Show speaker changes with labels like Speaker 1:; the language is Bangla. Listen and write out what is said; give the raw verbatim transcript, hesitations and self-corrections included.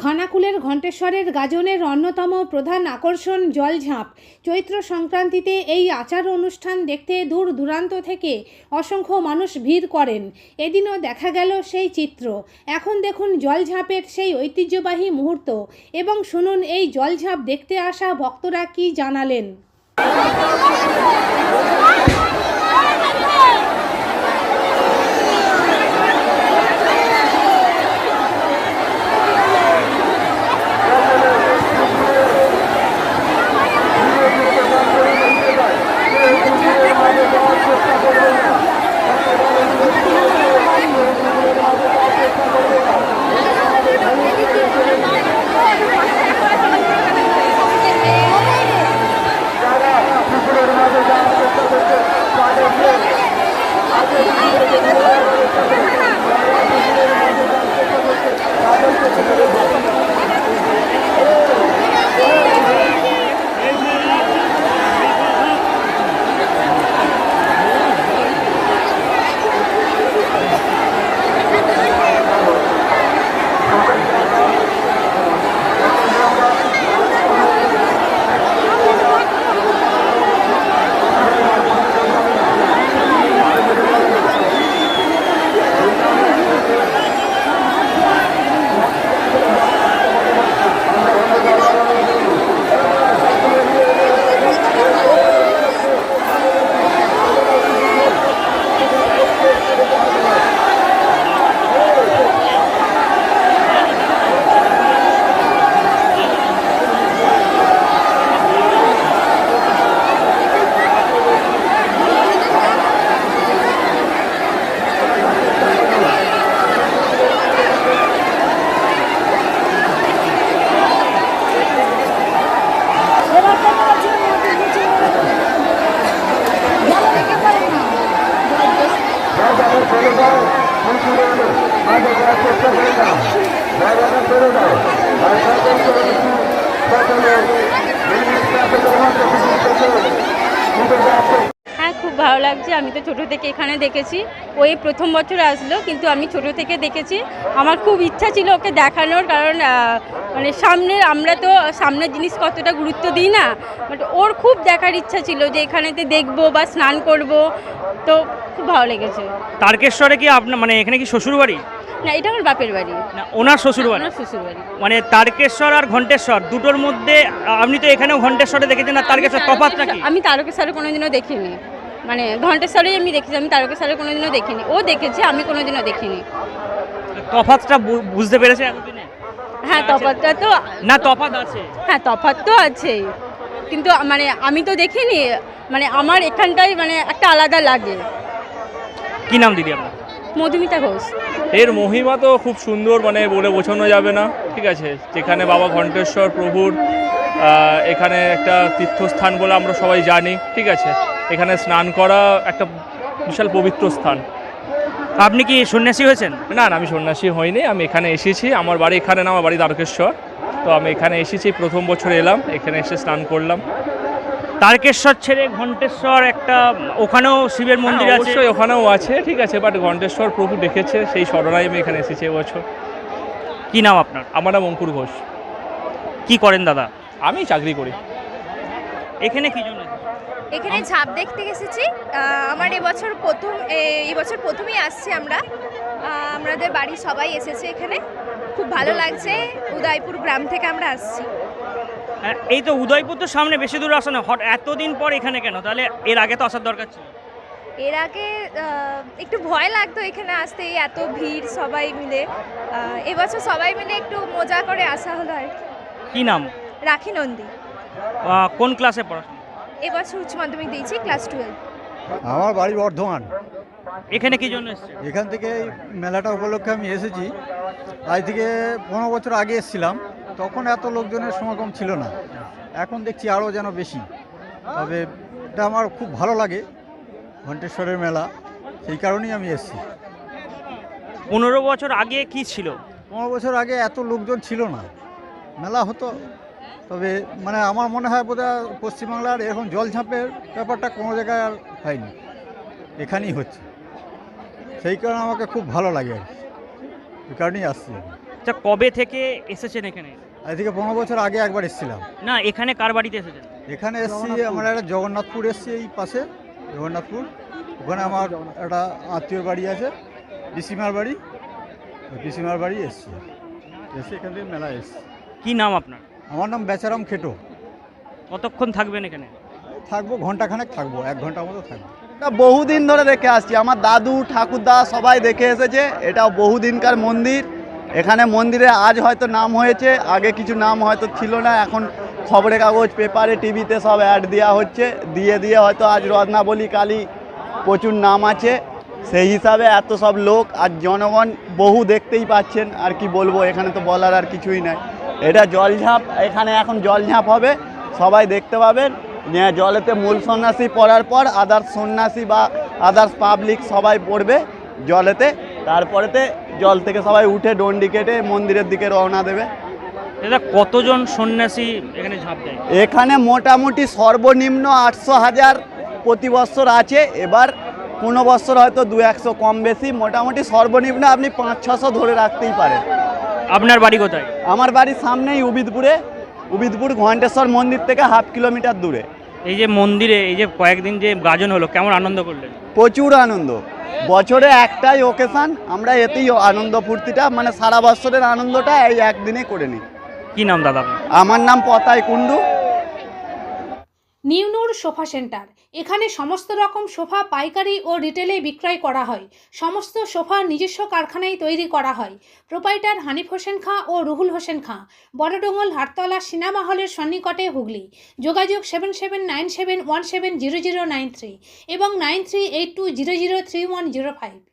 Speaker 1: খানাকুলের ঘণ্টেশ্বরের গাজনের অন্যতম প্রধান আকর্ষণ জলঝাঁপ। চৈত্র সংক্রান্তিতে এই আচার অনুষ্ঠান দেখতে দূর দূরান্ত থেকে অসংখ্য মানুষ ভিড় করেন। এদিনও দেখা গেল সেই চিত্র। এখন দেখুন জলঝাঁপের সেই ঐতিহ্যবাহী মুহূর্ত এবং শুনুন এই জলঝাঁপ দেখতে আসা ভক্তরা কি জানালেন।
Speaker 2: হ্যাঁ, খুব ভালো লাগছে। আমি তো ছোটো থেকে এখানে দেখেছি। ওই প্রথম বছর আসলো, কিন্তু আমি ছোটো থেকে দেখেছি। আমার খুব ইচ্ছা ছিল ওকে দেখানোর, কারণ মানে সামনে আমরা তো সামনের জিনিস কতটা গুরুত্ব দিই না, বাট ওর খুব দেখার ইচ্ছা ছিল যে এখানেতে দেখবো বা স্নান করব। তো খুব ভালো লেগেছে।
Speaker 3: তারকেশ্বরে কি আপনার মানে এখানে কি শ্বশুর বাড়ি?
Speaker 2: না, এটা আমার বাপের বাড়ি।
Speaker 3: না, ওনার শ্বশুর বাড়ি।
Speaker 2: ওনার শ্বশুর বাড়ি।
Speaker 3: মানে তারকেশ্বর আর ঘণ্টেশ্বর দুটোর মধ্যে আপনি তো এখানেও ঘণ্টেশ্বরে দেখেছেন, আর তারকেশ্বর তফাৎটা কি?
Speaker 2: আমি তারকেশ্বরে কোনোদিনও দেখিনি, মানে ঘণ্টেশ্বরেই আমি দেখেছি। আমি তারকেশ্বরে কোনোদিনও দেখিনি, ও দেখেছে, আমি কোনোদিনও দেখিনি।
Speaker 3: তফাৎটা বুঝতে পেরেছে এতদিনে?
Speaker 2: হ্যাঁ, তফাৎটা তো
Speaker 3: না, তফাৎ আছে।
Speaker 2: হ্যাঁ, তফাৎ তো আছেই, কিন্তু মানে আমি তো দেখিনি। মানে আমার এখানটাই মানে একটা আলাদা লাগে।
Speaker 3: কি নাম দিদি আপনার?
Speaker 2: মধুমিতা ঘোষ।
Speaker 4: এর মহিমা তো খুব সুন্দর, মানে বলে বোঝানো যাবে না। ঠিক আছে, যেখানে বাবা ঘণ্টেশ্বর প্রভুর এখানে একটা তীর্থস্থান বলে আমরা সবাই জানি। ঠিক আছে, এখানে স্নান করা একটা বিশাল পবিত্র স্থান।
Speaker 3: আপনি কি সন্ন্যাসী হয়েছেন?
Speaker 4: না না, আমি সন্ন্যাসী হইনি। আমি এখানে এসেছি, আমার বাড়ি এখানে না, আমার বাড়ি তারকেশ্বর। তো আমি এখানে এসেছি, প্রথম বছর এলাম, এখানে এসে স্নান করলাম।
Speaker 3: তারকেশ্বর ছেড়ে ঘণ্টেশ্বর একটা, ওখানেও শিবের মন্দির আছে।
Speaker 4: অবশ্যই ওখানেও আছে, ঠিক আছে, বাট ঘণ্টেশ্বর প্রভু ডেকেছে, সেই স্মরণায় আমি এখানে এসেছি এবছর।
Speaker 3: কি নাম আপনার?
Speaker 4: আমার নাম অঙ্কুর ঘোষ।
Speaker 3: কি করেন দাদা?
Speaker 4: আমি চাকরি করি।
Speaker 3: এখানে কি জন্য?
Speaker 5: এখানে ঝাঁপ দেখতে এসেছি। আমার এবছর প্রথম এই বছর প্রথমেই আসছি আমরা। আমাদের বাড়ির সবাই এসেছে এখানে, খুব ভালো লাগছে। উদয়পুর গ্রাম থেকে আমরা আসছি।
Speaker 3: এই তো উদয়পুর তো সামনে, বেশি দূর আসা না। হট এতদিন পর এখানে কেন? তাহলে এর আগে তো আসার দরকার ছিল।
Speaker 5: এর আগে একটু ভয় লাগতো এখানে আসতে, এত ভিড় সবাই মিলে। এবছর সবাই মিলে একটু মজা করে আসা হলো আর কি।
Speaker 3: কি নাম?
Speaker 5: রাখি নন্দী।
Speaker 3: কোন ক্লাসে পড়াশোনা?
Speaker 5: এবছর উচ্চ মাধ্যমিক দিয়েছি, ক্লাস টুয়েলভ।
Speaker 6: আমার বাড়ি বর্ধমান।
Speaker 3: এখানে কি জন্য এসেছে?
Speaker 6: এখান থেকে এই মেলাটা উপলক্ষে আমি এসেছি। আজ থেকে পনেরো বছর আগে এসেছিলাম, তখন এত লোকজনের সমাগম ছিল না। এখন দেখছি আরও যেন বেশি। তবে এটা আমার খুব ভালো লাগে, ঘণ্টেশ্বরের মেলা, সেই কারণেই আমি এসেছি।
Speaker 3: পনেরো বছর আগে কি ছিল?
Speaker 6: পনেরো বছর আগে এত লোকজন ছিল না, মেলা হতো। তবে মানে আমার মনে হয় বোধহয় পশ্চিমবাংলার এখন জলঝাঁপের ব্যাপারটা কোনো জায়গায় আর হয়নি, এখানেই হচ্ছে। সেই কারণে আমাকে খুব ভালো লাগে আর কি, এই কারণেই আসছি।
Speaker 3: আচ্ছা, কবে থেকে এসেছেন এখানে?
Speaker 6: আজ থেকে পনেরো বছর আগে একবার এসেছিলাম।
Speaker 3: না, এখানে কার বাড়িতে এসেছেন?
Speaker 6: এখানে এসছি আমরা একটা জগন্নাথপুর এসছি, এই পাশে জগন্নাথপুর, ওখানে আমার একটা আত্মীয়র বাড়ি আছে, পিসিমার বাড়ি, ওই পিসিমার বাড়ি এসছি, এসে এখান থেকে মেলা এসছি।
Speaker 3: কি নাম আপনার?
Speaker 6: আমার নাম বেচারাম খেটো।
Speaker 3: কতক্ষণ থাকবেন এখানে?
Speaker 6: থাকবো ঘন্টাখানেক থাকবো, এক ঘন্টার মতো থাকবো।
Speaker 7: এটা বহুদিন ধরে দেখে আসছি, আমার দাদু ঠাকুরদা সবাই দেখে এসেছে। এটা বহুদিনকার মন্দির। এখানে মন্দিরে আজ হয়তো নাম হয়েছে, আগে কিছু নাম হয়তো ছিল না। এখন খবরের কাগজ, পেপারে, টিভিতে সব অ্যাড দেওয়া হচ্ছে, দিয়ে দিয়ে হয়তো আজ রত্নাবলী কালী প্রচুর নাম আছে। সেই হিসাবে এত সব লোক আর জনগণ বহু দেখতেই পাচ্ছেন। আর কি বলবো, এখানে তো বলার আর কিছুই নাই। এটা জলঝাঁপ, এখানে এখন জলঝাঁপ হবে, সবাই দেখতে পাবেন। জলেতে মূল সন্ন্যাসী পড়ার পর আদার্স সন্ন্যাসী বা আদার্স পাবলিক সবাই পড়বে জলেতে। তারপরেতে জল থেকে সবাই উঠে ডন্ডি কেটে মন্দিরের দিকে রওনা দেবে।
Speaker 3: দাদা, কতজন সন্ন্যাসী এখানে ঝাঁপ দেয়?
Speaker 7: এখানে মোটামুটি সর্বনিম্ন আটশো হাজার প্রতি বৎসর আছে। এবার কোনো বৎসর হয়তো দু একশো কম বেশি, মোটামুটি সর্বনিম্ন আপনি পাঁচ ছশো ধরে রাখতেই পারেন।
Speaker 3: আপনার বাড়ি কোথায়?
Speaker 7: আমার বাড়ির সামনেই উবিদপুরে, উবিদপুর ঘণ্টেশ্বর মন্দির থেকে হাফ কিলোমিটার দূরে।
Speaker 3: এই যে মন্দিরে এই যে কয়েকদিন যে গাজন হলো, কেমন আনন্দ করলেন?
Speaker 7: প্রচুর আনন্দ। বছরে একটাই ওকেশান, আমরা এতেই আনন্দ ফুর্তিটা, মানে সারা বছরের আনন্দটা এই একদিনে করে নিই।
Speaker 3: কি নাম দাদা আপনার?
Speaker 7: আমার নাম পতাই কুণ্ডু।
Speaker 1: নিউনুর সোফা সেন্টার, এখানে সমস্ত রকম সোফা পাইকারি ও রিটেলে বিক্রয় করা হয়। সমস্ত সোফা নিজস্ব কারখানায় তৈরি করা হয়। প্রোপাইটার হানিফ হোসেন খাঁ ও রুহুল হোসেন খাঁ, বড়ডোঙ্গল হাটতলা সিনেমা হলের সন্নিকটে, হুগলি। যোগাযোগ seven seven nine seven one seven zero zero nine three এবং nine three eight two zero zero three one zero five.